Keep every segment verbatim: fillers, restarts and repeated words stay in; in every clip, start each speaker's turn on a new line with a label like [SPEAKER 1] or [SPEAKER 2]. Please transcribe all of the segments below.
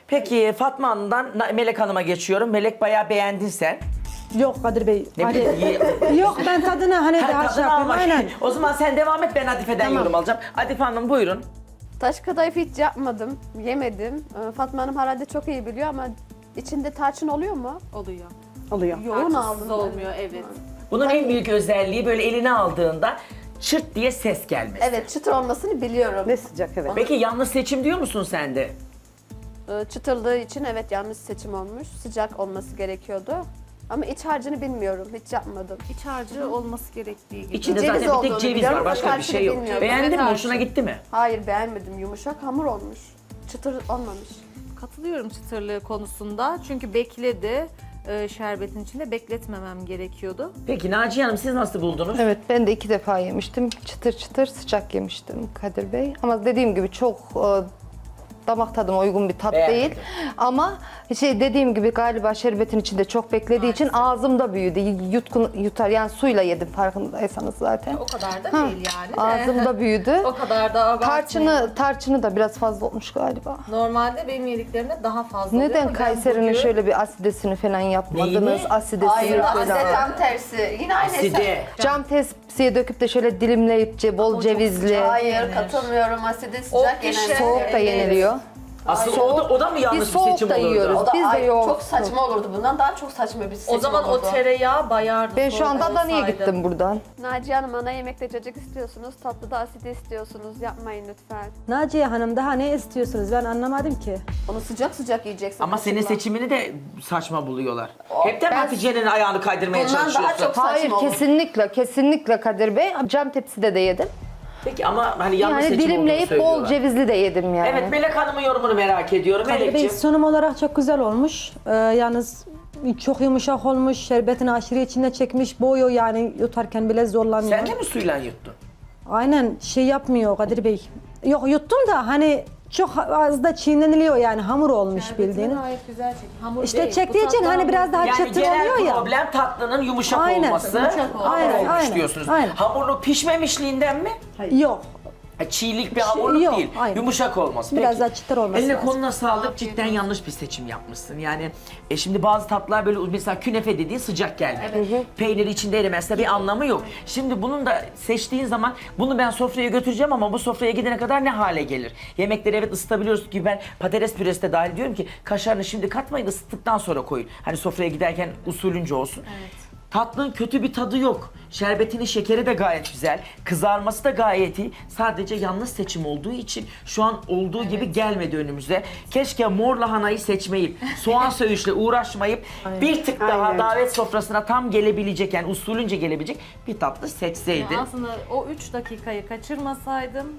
[SPEAKER 1] Peki Fatma Hanım'dan Na- Melek Hanım'a geçiyorum. Melek bayağı beğendin sen.
[SPEAKER 2] Yok Kadir Bey.
[SPEAKER 1] Ne
[SPEAKER 2] Hani,
[SPEAKER 1] bileyim,
[SPEAKER 2] yok ben tadını hani
[SPEAKER 1] Ha,
[SPEAKER 2] daha şey
[SPEAKER 1] tadını
[SPEAKER 2] yapayım.
[SPEAKER 1] almak.
[SPEAKER 2] Aynen.
[SPEAKER 1] O zaman sen devam et, ben Adife'den
[SPEAKER 2] Tamam.
[SPEAKER 1] yorum alacağım. Adife Hanım buyurun.
[SPEAKER 3] Taş kadayıf hiç yapmadım, yemedim. Ee, Fatma Hanım herhalde çok iyi biliyor ama içinde tarçın oluyor mu?
[SPEAKER 4] Oluyor.
[SPEAKER 2] Oluyor.
[SPEAKER 3] Yoğun
[SPEAKER 4] Tarçınsız
[SPEAKER 3] aldım.
[SPEAKER 4] olmuyor, evet.
[SPEAKER 1] Bunun en büyük özelliği böyle eline aldığında çırt diye ses gelmesi.
[SPEAKER 3] Evet, çıtır olmasını biliyorum.
[SPEAKER 2] Ve sıcak evet.
[SPEAKER 1] Peki yanlış seçim diyor musun sen de?
[SPEAKER 3] Ee, Çıtırlığı için evet yanlış seçim olmuş. Sıcak olması gerekiyordu. Ama iç harcını bilmiyorum, hiç yapmadım.
[SPEAKER 4] İç harcı olması gerektiği gibi.
[SPEAKER 1] İçinde
[SPEAKER 3] Ceviz
[SPEAKER 1] zaten bir tek
[SPEAKER 3] olduğunu
[SPEAKER 1] ceviz
[SPEAKER 3] biliyorum
[SPEAKER 1] var,
[SPEAKER 3] ama
[SPEAKER 1] başka bir
[SPEAKER 3] tarçını
[SPEAKER 1] şey yok.
[SPEAKER 3] bilmiyorum.
[SPEAKER 1] Beğendin mi?
[SPEAKER 4] Evet,
[SPEAKER 1] Hoşuna
[SPEAKER 4] tarçın.
[SPEAKER 1] gitti mi?
[SPEAKER 3] Hayır beğenmedim, yumuşak hamur olmuş. Çıtır olmamış.
[SPEAKER 4] Katılıyorum çıtırlığı konusunda. Çünkü bekledi. Ee, şerbetin içinde bekletmemem gerekiyordu.
[SPEAKER 1] Peki Naciye Hanım siz nasıl buldunuz?
[SPEAKER 5] Evet, ben de iki defa yemiştim. Çıtır çıtır sıcak yemiştim Kadir Bey. Ama dediğim gibi çok e, damak tadıma uygun bir tat
[SPEAKER 1] Beğenmedim.
[SPEAKER 5] değil. Ama şey dediğim gibi galiba şerbetin içinde çok beklediği için ağzımda büyüdü. Yutkun yutar yani suyla yedim farkındaysanız zaten.
[SPEAKER 4] O kadar da
[SPEAKER 5] Ha,
[SPEAKER 4] değil yani de.
[SPEAKER 5] Ağzımda büyüdü.
[SPEAKER 4] O kadar da abartmayalım.
[SPEAKER 5] Tarçını tarçını da biraz fazla olmuş galiba.
[SPEAKER 4] Normalde benim yediklerimde daha fazla oluyor
[SPEAKER 5] Neden
[SPEAKER 4] ama ben
[SPEAKER 5] Kayseri'nin
[SPEAKER 4] bugün-
[SPEAKER 5] şöyle bir asidesini falan yapmadınız?
[SPEAKER 1] Neyini?
[SPEAKER 5] Asidesini
[SPEAKER 3] Hayır,
[SPEAKER 5] falan.
[SPEAKER 3] aslında tam tersi. Yine aynı
[SPEAKER 1] Side.
[SPEAKER 5] Cam tepsiye döküp de şöyle dilimleyip ce- bol
[SPEAKER 4] çok
[SPEAKER 5] cevizli.
[SPEAKER 4] sıcak.
[SPEAKER 3] Hayır,
[SPEAKER 4] Yenir.
[SPEAKER 3] katılmıyorum. Asidi
[SPEAKER 4] O
[SPEAKER 3] sıcak
[SPEAKER 4] pişe-
[SPEAKER 3] genelde.
[SPEAKER 5] Soğuk da
[SPEAKER 4] Evet.
[SPEAKER 5] yeniliyor.
[SPEAKER 1] Aslında o da, o da mı yanlış
[SPEAKER 5] Biz
[SPEAKER 1] bir
[SPEAKER 5] soğuk
[SPEAKER 1] seçim
[SPEAKER 5] da
[SPEAKER 1] olurdu?
[SPEAKER 5] yiyoruz.
[SPEAKER 3] O da
[SPEAKER 5] Biz de
[SPEAKER 3] ay,
[SPEAKER 5] yoğurt.
[SPEAKER 3] çok saçma olurdu. Bundan daha çok saçma bir seçim
[SPEAKER 4] O zaman
[SPEAKER 3] olurdu.
[SPEAKER 4] o tereyağı bayardı.
[SPEAKER 5] Ben şu
[SPEAKER 4] soğuk
[SPEAKER 5] anda Adana'ya
[SPEAKER 4] olsaydı.
[SPEAKER 5] gittim buradan.
[SPEAKER 3] Naciye Hanım ana yemekte cacık istiyorsunuz, tatlıda asidi istiyorsunuz. Yapmayın lütfen.
[SPEAKER 2] Naciye Hanım daha ne istiyorsunuz? Ben anlamadım ki.
[SPEAKER 3] Onu sıcak sıcak yiyeceksin.
[SPEAKER 1] Ama senin
[SPEAKER 3] kızımla.
[SPEAKER 1] seçimini de saçma buluyorlar. Hepten
[SPEAKER 3] ben-
[SPEAKER 1] Hatice'nin ayağını kaydırmaya
[SPEAKER 3] Bundan daha
[SPEAKER 1] çalışıyorsun.
[SPEAKER 3] çok-
[SPEAKER 5] Hayır
[SPEAKER 3] saçma olur.
[SPEAKER 5] kesinlikle kesinlikle Kadir Bey. Cam tepside de yedim.
[SPEAKER 1] Peki ama hani yanlış
[SPEAKER 5] Yani
[SPEAKER 1] seçim olduğunu
[SPEAKER 5] dilimleyip bol
[SPEAKER 1] söylüyorlar.
[SPEAKER 5] cevizli de yedim yani.
[SPEAKER 1] Evet, Melek Hanım'ın yorumunu merak ediyorum.
[SPEAKER 2] Kadir Bey
[SPEAKER 1] Melekciğim.
[SPEAKER 2] sunum olarak çok güzel olmuş. Ee, yalnız çok yumuşak olmuş. Şerbetini aşırı içine çekmiş. Boğuyor yani yutarken bile zorlamıyor.
[SPEAKER 1] Sen de mi suyla yuttun?
[SPEAKER 2] Aynen şey yapmıyor Kadir Bey. Yok yuttum da hani çok az da çiğneniliyor yani hamur olmuş
[SPEAKER 4] Şerbetini
[SPEAKER 2] bildiğin.
[SPEAKER 4] gayet güzel çek. Hamur
[SPEAKER 2] İşte
[SPEAKER 4] değil.
[SPEAKER 2] çektiği
[SPEAKER 4] Bu
[SPEAKER 2] için
[SPEAKER 4] tatlı
[SPEAKER 2] hani
[SPEAKER 4] hamur.
[SPEAKER 2] biraz daha
[SPEAKER 1] Yani
[SPEAKER 2] çıtır
[SPEAKER 1] genel
[SPEAKER 2] oluyor ya.
[SPEAKER 1] problem tatlının yumuşak
[SPEAKER 2] Aynen,
[SPEAKER 1] olması.
[SPEAKER 2] yumuşak
[SPEAKER 1] Hamur
[SPEAKER 2] Aynen,
[SPEAKER 1] olmuş
[SPEAKER 2] aynen,
[SPEAKER 1] diyorsunuz.
[SPEAKER 2] aynen.
[SPEAKER 1] Hamurun pişmemişliğinden mi?
[SPEAKER 2] Yok.
[SPEAKER 1] Ha, çiğlik bir hamurluk
[SPEAKER 2] yok,
[SPEAKER 1] değil.
[SPEAKER 2] aynen.
[SPEAKER 1] Yumuşak olması.
[SPEAKER 2] Biraz
[SPEAKER 1] Peki.
[SPEAKER 2] daha çıtır olması
[SPEAKER 1] Eline
[SPEAKER 2] lazım.
[SPEAKER 1] koluna sağlık. Cidden yanlış bir seçim yapmışsın. Yani e, şimdi bazı tatlılar böyle mesela künefe dediğin sıcak gelmek. Peyniri içinde erimezse bir anlamı yok. Şimdi bunun da seçtiğin zaman bunu ben sofraya götüreceğim ama bu sofraya gidene kadar ne hale gelir? Yemekleri evet ısıtabiliyoruz ki ben patates püresi de dahil diyorum ki kaşarını şimdi katmayın, ısıttıktan sonra koyun. Hani sofraya giderken usulünce olsun. Tatlının kötü bir tadı yok. Şerbetinin şekeri de gayet güzel. Kızarması da gayet iyi. Sadece yanlış seçim olduğu için şu an olduğu gibi gelmedi önümüze. Keşke mor lahanayı seçmeyip, soğan söğüşle uğraşmayıp bir tık daha
[SPEAKER 2] Aynen.
[SPEAKER 1] davet sofrasına tam gelebilecek, yani usulünce gelebilecek bir tatlı seçseydin.
[SPEAKER 4] Yani aslında o üç dakikayı kaçırmasaydım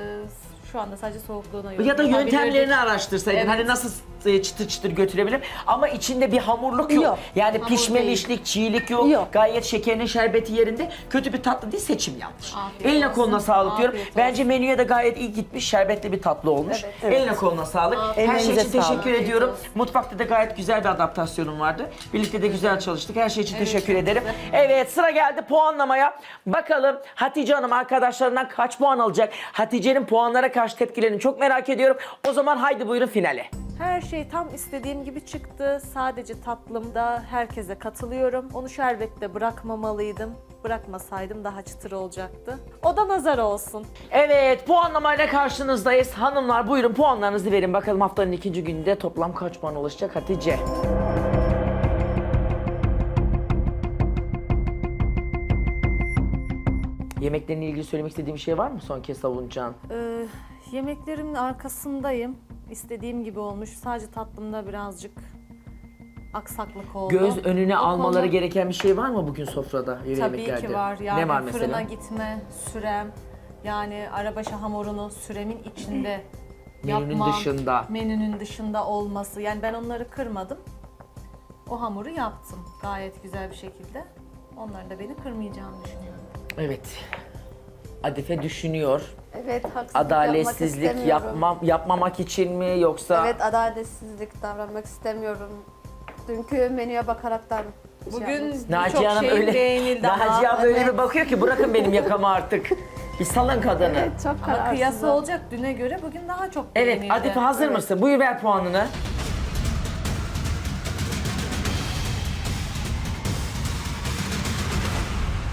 [SPEAKER 4] e, şu anda sadece soğukluğuna yorum
[SPEAKER 1] Ya da
[SPEAKER 4] yapabilirdik.
[SPEAKER 1] yöntemlerini araştırsaydın.
[SPEAKER 4] Evet.
[SPEAKER 1] Hani nasıl e, çıtır çıtır götürebilirim. Ama içinde bir hamurluk yok.
[SPEAKER 2] Yok.
[SPEAKER 1] Yani
[SPEAKER 4] Hamur
[SPEAKER 1] pişmemişlik, çiğlik yok.
[SPEAKER 2] Yok.
[SPEAKER 1] Gayet şekerinin şerbeti yerinde. Kötü bir tatlı değil, seçim yanlış.
[SPEAKER 4] Afiyet
[SPEAKER 1] Eline
[SPEAKER 4] olsun.
[SPEAKER 1] koluna sağlık diyorum.
[SPEAKER 4] Afiyet olsun.
[SPEAKER 1] Bence menüye de gayet iyi gitmiş. Şerbetli bir tatlı olmuş. Eline koluna sağlık. Her şey
[SPEAKER 2] Ellerinize
[SPEAKER 1] için teşekkür
[SPEAKER 2] sağlık.
[SPEAKER 1] ediyorum. Mutfakta da gayet güzel bir adaptasyonum vardı. Birlikte de güzel çalıştık. Her şey için teşekkür ederim. Evet, sıra geldi puanlamaya. Bakalım Hatice Hanım arkadaşlarından kaç puan alacak? Hatice'nin puanlara karşı tepkilerini çok merak ediyorum. O zaman haydi buyurun finale.
[SPEAKER 4] Her şey tam istediğim gibi çıktı. Sadece tatlımda herkese katılıyorum. Onu şerbette bırakmamalıydım. Bırakmasaydım daha çıtır olacaktı. O da nazar olsun.
[SPEAKER 1] Evet, puanlamayla karşınızdayız. Hanımlar buyurun puanlarınızı verin. Bakalım haftanın ikinci gününde toplam kaç puan ulaşacak Hatice? Yemeklerle ilgili söylemek istediğim bir şey var mı son kez savunacağın?
[SPEAKER 4] Ee, yemeklerimin arkasındayım. İstediğim gibi olmuş. Sadece tatlımda birazcık aksaklık oldu.
[SPEAKER 1] Göz önüne
[SPEAKER 4] O
[SPEAKER 1] almaları
[SPEAKER 4] konuda
[SPEAKER 1] gereken bir şey var mı bugün sofrada,
[SPEAKER 4] Tabii
[SPEAKER 1] yemeklerde?
[SPEAKER 4] ki var. Yani
[SPEAKER 1] ne var
[SPEAKER 4] fırına
[SPEAKER 1] mesela?
[SPEAKER 4] gitme, sürem, yani arabaşı hamurunu süremin içinde
[SPEAKER 1] Menünün
[SPEAKER 4] yapmam,
[SPEAKER 1] dışında.
[SPEAKER 4] menünün dışında olması. Yani ben onları kırmadım. O hamuru yaptım gayet güzel bir şekilde. Onların da beni kırmayacağını düşünüyorum.
[SPEAKER 1] Evet. Adife düşünüyor.
[SPEAKER 3] Evet, haksızlık
[SPEAKER 1] Adaletsizlik
[SPEAKER 3] yapmak istemiyorum.
[SPEAKER 1] yapmam, yapmamak için mi yoksa?
[SPEAKER 3] Evet, adaletsizlik davranmak istemiyorum. Dünkü menüye bakaraktan şey
[SPEAKER 4] Bugün
[SPEAKER 3] yapmak istedim.
[SPEAKER 1] Naciye
[SPEAKER 4] birçok
[SPEAKER 1] Hanım
[SPEAKER 4] şeyin
[SPEAKER 1] öyle,
[SPEAKER 4] beğenildi ama
[SPEAKER 1] Naciye Hanım öyle
[SPEAKER 3] evet.
[SPEAKER 1] bir bakıyor ki bırakın benim yakamı artık. Bir salın kadını.
[SPEAKER 3] Evet, çok
[SPEAKER 4] ama
[SPEAKER 3] kararsızım.
[SPEAKER 4] kıyası olacak düne göre bugün daha çok
[SPEAKER 1] Evet,
[SPEAKER 4] beğenildi.
[SPEAKER 1] Adife hazır
[SPEAKER 3] Evet.
[SPEAKER 1] mısın? Buyur ver puanını.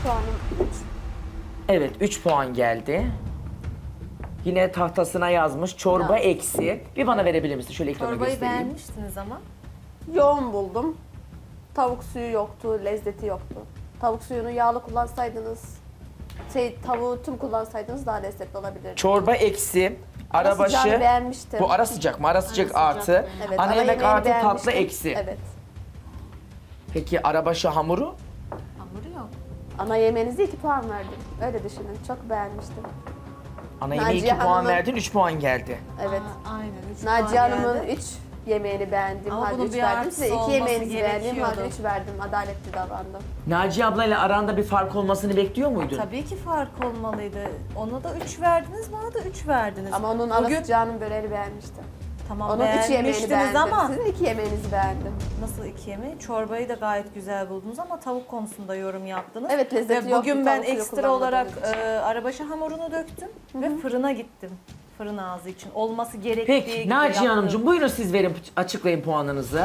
[SPEAKER 3] Puanım üç.
[SPEAKER 1] Evet, üç puan geldi. Yine tahtasına yazmış çorba eksi. Bir bana verebilir misin? Şöyle ekrana
[SPEAKER 4] Çorbayı
[SPEAKER 1] göstereyim.
[SPEAKER 4] beğenmiştiniz ama.
[SPEAKER 3] Yoğun buldum. Tavuk suyu yoktu, lezzeti yoktu. Tavuk suyunu yağlı kullansaydınız, şey tavuğu tüm kullansaydınız daha lezzetli olabilirdi.
[SPEAKER 1] Çorba eksi.
[SPEAKER 3] Ara
[SPEAKER 1] Arabaşı.
[SPEAKER 3] sıcağını beğenmiştim.
[SPEAKER 1] Bu ara sıcak mı? Ara sıcak
[SPEAKER 4] sıcak,
[SPEAKER 1] artı.
[SPEAKER 3] Evet,
[SPEAKER 1] Ana
[SPEAKER 3] ara
[SPEAKER 1] yemek
[SPEAKER 3] yemeğini
[SPEAKER 1] artı tatlı
[SPEAKER 3] beğenmiştim.
[SPEAKER 1] eksi.
[SPEAKER 3] Evet.
[SPEAKER 1] Peki arabaşı hamuru?
[SPEAKER 4] Hamuru yok.
[SPEAKER 3] Ana yemeğinize iki puan verdim. Öyle düşünün. Çok beğenmiştim.
[SPEAKER 1] Ana yemeğe
[SPEAKER 3] Naciye
[SPEAKER 1] iki puan
[SPEAKER 3] Hanım'ın-
[SPEAKER 1] verdin, üç puan geldi.
[SPEAKER 3] Evet.
[SPEAKER 4] Aa, aynen. Üç
[SPEAKER 3] Naciye
[SPEAKER 4] puan
[SPEAKER 3] Hanım'ın
[SPEAKER 4] geldi.
[SPEAKER 3] üç yemeğini beğendim.
[SPEAKER 4] Ama
[SPEAKER 3] Halde
[SPEAKER 4] bunun
[SPEAKER 3] üç
[SPEAKER 4] bir
[SPEAKER 3] verdim.
[SPEAKER 4] artısı
[SPEAKER 3] Size iki
[SPEAKER 4] olması
[SPEAKER 3] yemeğinizi beğendim. Halde
[SPEAKER 4] gerekiyordu.
[SPEAKER 3] üç verdim. Adaletli davrandım.
[SPEAKER 1] Naciye ablayla aranda bir fark olmasını bekliyor muydun?
[SPEAKER 4] Tabii ki fark olmalıydı. Ona da üç verdiniz, bana da üç verdiniz.
[SPEAKER 3] Ama onun ara
[SPEAKER 4] Bugün
[SPEAKER 3] sıcağının böreğini beğenmiştim.
[SPEAKER 4] tamam
[SPEAKER 3] Onun üç yemeğini
[SPEAKER 4] beğenmiştiniz
[SPEAKER 3] beğendim.
[SPEAKER 4] ama
[SPEAKER 3] Sizin iki yemeğinizi beğendim.
[SPEAKER 4] nasıl iki yemeği? Çorbayı da gayet güzel buldunuz ama tavuk konusunda yorum yaptınız.
[SPEAKER 3] Evet, lezzeti
[SPEAKER 4] Ve
[SPEAKER 3] yoktu,
[SPEAKER 4] bugün ben
[SPEAKER 3] tavuk suyu
[SPEAKER 4] ekstra olarak
[SPEAKER 3] kullanmadığınız
[SPEAKER 4] e, arabaşı hamurunu döktüm ve fırına gittim. Fırın ağzı için olması gerektiği
[SPEAKER 1] Peki
[SPEAKER 4] gibi
[SPEAKER 1] Naciye
[SPEAKER 4] yaptım.
[SPEAKER 1] Hanımcığım buyurun siz verin, açıklayın puanınızı.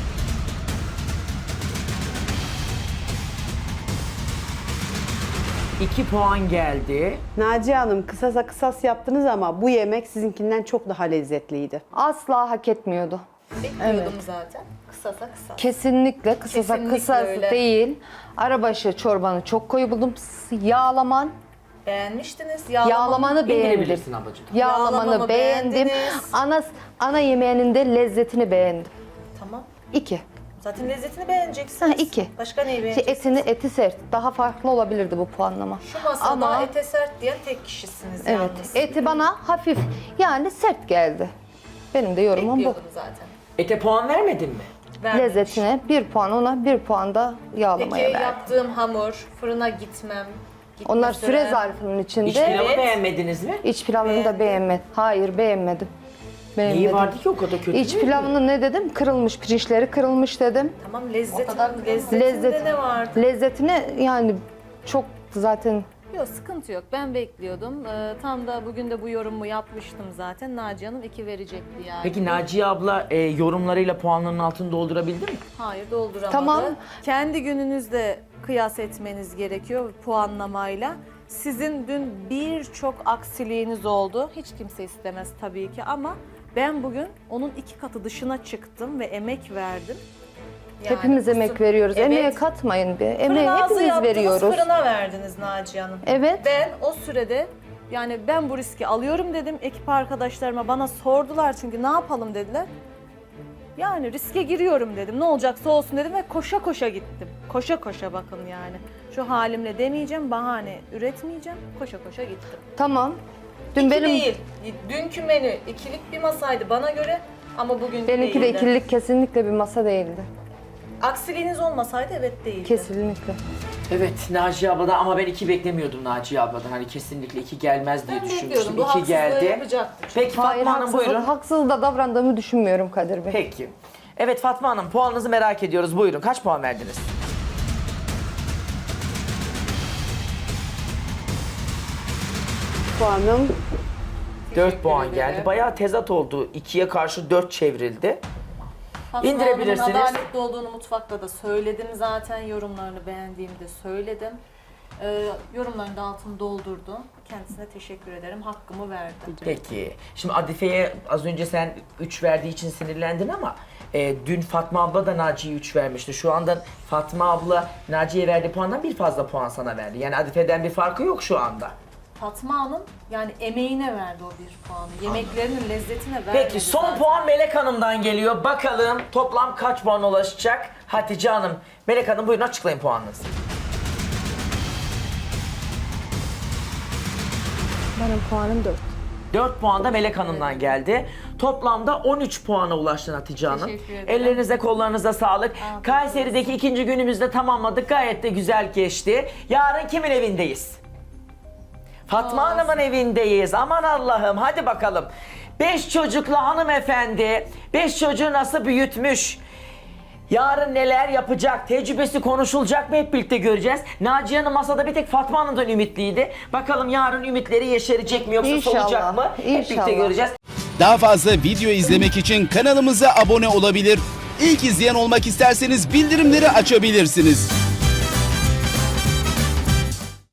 [SPEAKER 1] İki puan geldi.
[SPEAKER 6] Naciye Hanım kısasa kısas yaptınız ama bu yemek sizinkinden çok daha lezzetliydi.
[SPEAKER 5] Asla hak etmiyordu.
[SPEAKER 4] Bekliyordum zaten. Kısasa kısa.
[SPEAKER 5] Kesinlikle kısasa
[SPEAKER 4] Kesinlikle
[SPEAKER 5] kısas
[SPEAKER 4] öyle.
[SPEAKER 5] değil. Arabaşı çorbanı çok koyu buldum. S- Yağlaman,
[SPEAKER 4] Beğenmiştiniz.
[SPEAKER 5] yağlamanı beğendim.
[SPEAKER 1] İndirebilirsin ablacığım.
[SPEAKER 5] Yağlamanı
[SPEAKER 4] Yağlamamı
[SPEAKER 5] beğendim.
[SPEAKER 4] beğendiniz.
[SPEAKER 5] Ana ana yemeğinin de lezzetini beğendim.
[SPEAKER 4] Tamam.
[SPEAKER 5] İki.
[SPEAKER 4] Zaten lezzetini beğeneceksiniz.
[SPEAKER 5] Ha, iki.
[SPEAKER 4] Başka neyi
[SPEAKER 5] Şey,
[SPEAKER 4] beğeneceksiniz?
[SPEAKER 5] etini eti sert. Daha farklı olabilirdi bu puanlama.
[SPEAKER 4] Şu masada
[SPEAKER 5] Ama
[SPEAKER 4] ete sert diyen tek kişisiniz
[SPEAKER 5] evet,
[SPEAKER 4] yalnız.
[SPEAKER 5] eti bana hafif yani sert geldi. Benim de yorumum bu.
[SPEAKER 4] Bekliyordum zaten.
[SPEAKER 1] Ete puan vermedin mi?
[SPEAKER 4] Vermemiş.
[SPEAKER 5] Lezzetine bir puan ona, bir puan da yağlamaya
[SPEAKER 4] Peki
[SPEAKER 5] verdim.
[SPEAKER 4] yaptığım hamur, fırına gitmem. gitme
[SPEAKER 5] Onlar süre
[SPEAKER 4] sürem.
[SPEAKER 5] zarfının içinde.
[SPEAKER 1] İç pilavı
[SPEAKER 4] Evet.
[SPEAKER 1] beğenmediniz mi?
[SPEAKER 5] İç pilavını
[SPEAKER 4] Beğendim.
[SPEAKER 5] da beğenmedim. Hayır beğenmedim. Beğenmedim.
[SPEAKER 1] Neyi vardı ki o kadar kötü
[SPEAKER 5] İç
[SPEAKER 1] değil mi?
[SPEAKER 5] pilavını ne dedim? Kırılmış, pirinçleri kırılmış dedim.
[SPEAKER 4] Tamam lezzet,
[SPEAKER 3] kadar
[SPEAKER 4] lezzetinde
[SPEAKER 5] Lezzet,
[SPEAKER 4] ne vardı?
[SPEAKER 5] lezzetine yani çok zaten
[SPEAKER 7] Yok sıkıntı yok. Ben bekliyordum. Ee, tam da bugün de bu yorumu yapmıştım zaten. Naciye Hanım iki verecekti yani.
[SPEAKER 1] Peki Naciye abla e, yorumlarıyla puanlarının altını doldurabildi mi?
[SPEAKER 7] Hayır dolduramadı.
[SPEAKER 5] Tamam.
[SPEAKER 4] Kendi gününüzde kıyas etmeniz gerekiyor puanlamayla. Sizin dün birçok aksiliğiniz oldu. Hiç kimse istemez tabii ki ama ben bugün onun iki katı dışına çıktım ve emek verdim. Yani
[SPEAKER 5] hepimiz
[SPEAKER 4] kusur-
[SPEAKER 5] emek veriyoruz.
[SPEAKER 4] Evet.
[SPEAKER 5] Emeğe katmayın bir.
[SPEAKER 4] Fırın
[SPEAKER 5] Emeği
[SPEAKER 4] ağzı
[SPEAKER 5] hepimiz
[SPEAKER 4] yaptınız,
[SPEAKER 5] veriyoruz.
[SPEAKER 4] fırına verdiniz Naciye Hanım.
[SPEAKER 5] Evet.
[SPEAKER 4] Ben o sürede yani ben bu riski alıyorum dedim. Ekip arkadaşlarıma bana sordular çünkü ne yapalım dediler. Yani riske giriyorum dedim. Ne olacaksa olsun dedim ve koşa koşa gittim. Koşa koşa bakın yani. Şu halimle demeyeceğim, bahane üretmeyeceğim. Koşa koşa gittim.
[SPEAKER 5] Tamam. Dün
[SPEAKER 4] İki
[SPEAKER 5] benim
[SPEAKER 4] değil. Dünkü menü ikilik bir masaydı bana göre ama bugün
[SPEAKER 5] benimki de
[SPEAKER 4] değildi.
[SPEAKER 5] ikililik kesinlikle bir masa değildi.
[SPEAKER 4] Aksiliğiniz olmasaydı evet değildi.
[SPEAKER 5] Kesinlikle.
[SPEAKER 1] Evet Naciye abladan ama ben iki beklemiyordum Naciye abladan. Hani kesinlikle iki gelmez diye
[SPEAKER 4] Ben
[SPEAKER 1] düşünmüştüm.
[SPEAKER 4] bekliyordum. Bu
[SPEAKER 1] İki
[SPEAKER 4] haksızlığı
[SPEAKER 1] geldi.
[SPEAKER 4] yapacaktı çünkü.
[SPEAKER 1] Peki
[SPEAKER 5] Hayır,
[SPEAKER 1] Fatma Hanım
[SPEAKER 5] haksız,
[SPEAKER 1] buyurun.
[SPEAKER 5] haksız da davrandığımı düşünmüyorum Kadir Bey.
[SPEAKER 1] Peki. Evet Fatma Hanım puanınızı merak ediyoruz. Buyurun kaç puan verdiniz?
[SPEAKER 6] Puanım
[SPEAKER 1] dört puan
[SPEAKER 4] ederim.
[SPEAKER 1] geldi. Bayağı tezat oldu. ikiye karşı dört çevrildi.
[SPEAKER 4] Fatma
[SPEAKER 1] İndirebilirsiniz.
[SPEAKER 4] Hanım'ın adaletli olduğunu mutfakta da söyledim zaten. Yorumlarını beğendiğimi de söyledim. Ee, yorumlarını da altını doldurdu. Kendisine teşekkür ederim. Hakkımı verdi.
[SPEAKER 1] Peki. Şimdi Adife'ye az önce sen üç verdiği için sinirlendin ama e, dün Fatma abla da Naciye'ye üç vermişti. Şu anda Fatma abla Naciye'ye verdiği puandan bir fazla puan sana verdi. Yani Adife'den bir farkı yok şu anda.
[SPEAKER 4] Fatma Hanım yani emeğine verdi o bir puanı. Yemeklerinin lezzetine verdi.
[SPEAKER 1] Peki son puan Melek Hanım'dan geliyor. Bakalım toplam kaç puan ulaşacak? Hatice Hanım. Melek Hanım buyurun açıklayın puanınızı.
[SPEAKER 2] Benim puanım dört.
[SPEAKER 1] dört puan da Melek Hanım'dan geldi. Toplamda on üç puana ulaştın Hatice Hanım.
[SPEAKER 7] Teşekkür ederim.
[SPEAKER 1] Ellerinize kollarınıza sağlık. Kayseri'deki ikinci günümüzde tamamladık. Gayet de güzel geçti. Yarın kimin evindeyiz? Fatma Hanım'ın evindeyiz. Aman Allah'ım hadi bakalım. Beş çocuklu hanımefendi, beş çocuğu nasıl büyütmüş? Yarın neler yapacak, tecrübesi konuşulacak mı hep birlikte göreceğiz. Naciye Hanım masada bir tek Fatma Hanım'dan ümitliydi. Bakalım yarın ümitleri yeşerecek mi yoksa
[SPEAKER 5] İnşallah,
[SPEAKER 1] solacak mı? Hep birlikte
[SPEAKER 5] inşallah.
[SPEAKER 1] göreceğiz.
[SPEAKER 8] Daha fazla video izlemek için kanalımıza abone olabilir. İlk izleyen olmak isterseniz bildirimleri açabilirsiniz.